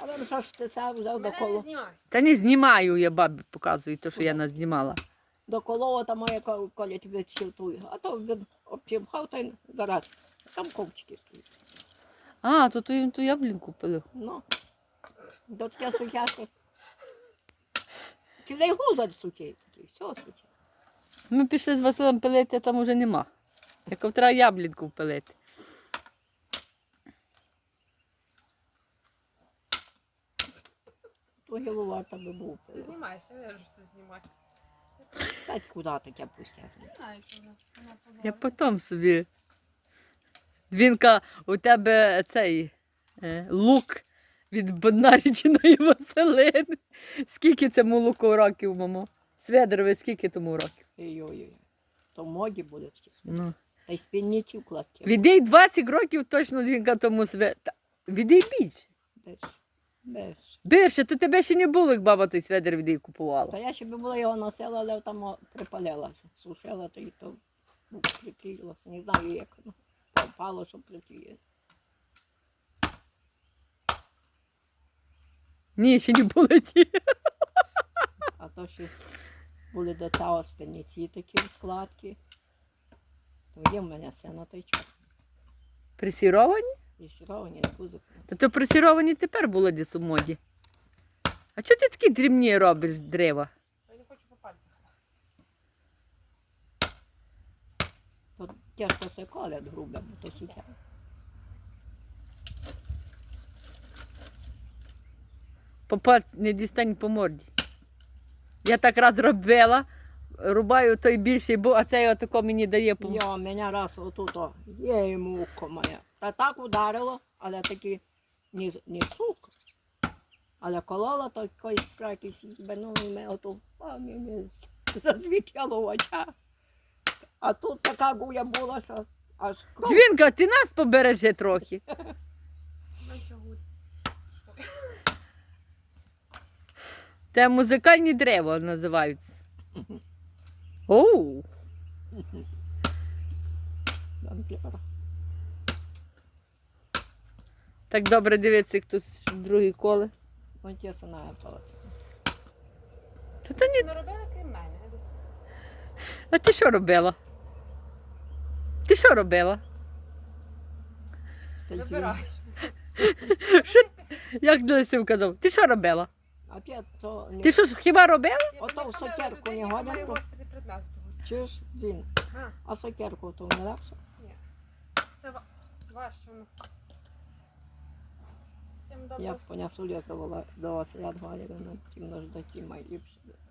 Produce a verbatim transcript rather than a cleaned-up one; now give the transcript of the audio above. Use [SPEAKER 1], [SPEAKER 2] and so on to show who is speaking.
[SPEAKER 1] Але що ж ти сам взяв до
[SPEAKER 2] Мене не
[SPEAKER 1] коло?
[SPEAKER 2] знімай.
[SPEAKER 3] Та не знімаю, я бабі показую те, що я назнімала.
[SPEAKER 1] До колова там моя ко- коля тебе чилтує. А то він обчимхав та й зараз. Там ковчики стоять.
[SPEAKER 3] А, то ти ту яблінку пилив.
[SPEAKER 1] Ну, до таке сухяше. Цілий гузар сухий такий, все сухе.
[SPEAKER 3] Ми пішли з Василем пилити, а там уже нема. Як треба яблінку пилити.
[SPEAKER 1] То гіловата би був.
[SPEAKER 2] Ти знімаєш, я вижу, що ти знімаєш.
[SPEAKER 1] Та куди таке пустяне?
[SPEAKER 2] Не знаю, що вона. Вона
[SPEAKER 3] Я
[SPEAKER 2] побачить.
[SPEAKER 3] потім собі. Двінка, у тебе цей е, лук від Боднарічиної Василини. Скільки цьому луку років, мамо? Сведорові, скільки тому років?
[SPEAKER 1] Ой-ой-ой. То в моді буде такі.
[SPEAKER 3] Ну.
[SPEAKER 1] Та й спільниці вкладки.
[SPEAKER 3] Відій двадцять років точно Двінка тому све... Та, відій більше.
[SPEAKER 1] Без. Без.
[SPEAKER 3] Більше, то тебе ще не було, як баба той сведер відій
[SPEAKER 1] Та
[SPEAKER 3] купувала.
[SPEAKER 1] я ще би була його носила, але там о, припалилася. Сушила, то і то ну, приклеїлося. Не знаю, як воно. Попало, що приклеїлося.
[SPEAKER 3] Ні, ще не було ті.
[SPEAKER 1] А то ще були до того спільниці такі складки. То є в мене все на той час.
[SPEAKER 3] Пресіровані?
[SPEAKER 1] І сіровані, і кузик.
[SPEAKER 3] Та то пресіровані тепер були десь у моді. А чого ти такі дрібні робиш дерева?
[SPEAKER 2] Я не хочу по пальцях.
[SPEAKER 1] То тяжко все колять грубе, бо то сухе.
[SPEAKER 3] Попад не дістань по морді. Я так раз робила, рубаю той більший, бо а цей отако мені дає по.
[SPEAKER 1] Йо, мене раз отут, о, є йому око моє. Та так ударило, але таки не, не сук. Але колола то якоїсь страки сібенули мене оту, а мені зазвітяло в очах. А тут така гуя була, що аж кров.
[SPEAKER 3] Двінка, ти нас побережи трохи.
[SPEAKER 2] Ну чого?
[SPEAKER 3] Це музикальні дерева називаються. Оу! Так добре дивиться, як тут другий коле.
[SPEAKER 1] Ось я сама палаця.
[SPEAKER 3] Та то ні.
[SPEAKER 2] Не робила крім мене.
[SPEAKER 3] А ти що робила? Ти що робила?
[SPEAKER 2] Забирай.
[SPEAKER 3] Що? Як Лисив казав? Ти що робила?
[SPEAKER 1] А ти то не...
[SPEAKER 3] Ти що хіба робила?
[SPEAKER 1] Ото в сокерку не годен, то- Чуєш, Дзін,
[SPEAKER 2] А,
[SPEAKER 1] а сокерку то не легше?
[SPEAKER 2] це ва- важче воно. Тим добре.
[SPEAKER 1] Я б понесу літувала до вас ряд говорила, на тім наждаті мої ліпші.